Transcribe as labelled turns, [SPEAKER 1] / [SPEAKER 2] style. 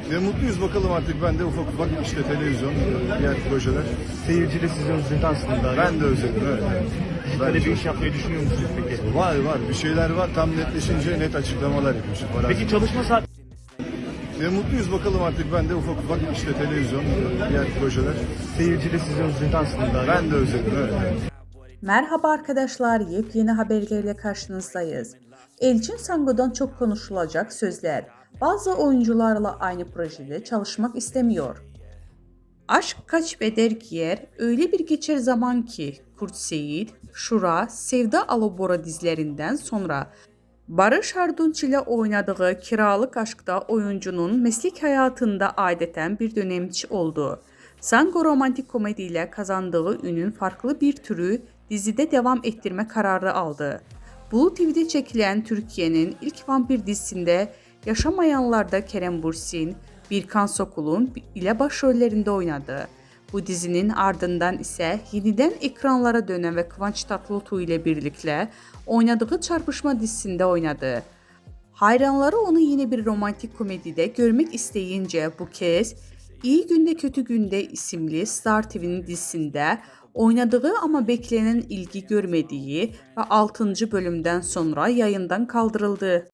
[SPEAKER 1] Mutluyuz bakalım artık, ben de ufak ufak işte televizyon, diğer projeler.
[SPEAKER 2] Seyirci de sizi özledi aslında.
[SPEAKER 1] Ben de özledim, evet.
[SPEAKER 2] Böyle bir iş yapmayı düşünüyor musunuz peki?
[SPEAKER 1] Var bir şeyler var, tam netleşince net açıklamalar yapıyorsun.
[SPEAKER 2] Peki çalışma saat
[SPEAKER 1] Mutluyuz bakalım artık, ben de ufak ufak işte televizyon, diğer projeler.
[SPEAKER 2] seyirci de sizi özledi aslında.
[SPEAKER 1] Ben de özledim, evet.
[SPEAKER 3] Merhaba arkadaşlar, yepyeni haberlerle karşınızdayız. Elçin Sango'dan çok konuşulacak sözler. Bazı oyuncularla aynı projede çalışmak istemiyor. Aşk kaç beder giyer, öyle bir geçer zaman ki Kurt Seyit, Şura, Sevda Alabora dizilerinden sonra Barış Arduç ile oynadığı Kiralık Aşk'ta oyuncunun meslek hayatında adeten bir dönemçi oldu. Sango romantik komediyle kazandığı ünün farklı bir türü dizide devam ettirme kararı aldı. Blue TV'de çekilen Türkiye'nin ilk vampir dizisinde Yaşamayanlar'da Kerem Bürsin, Birkan Sokul'un ile başrollerinde oynadı. Bu dizinin ardından ise yeniden ekranlara dönen ve Kıvanç Tatlıtuğ ile birlikte oynadığı Çarpışma dizisinde oynadı. Hayranları onu yine bir romantik komedide görmek isteyince bu kez İyi Günde Kötü Günde isimli Star TV'nin dizisinde oynadığı ama beklenen ilgi görmediği ve 6. bölümden sonra yayından kaldırıldı.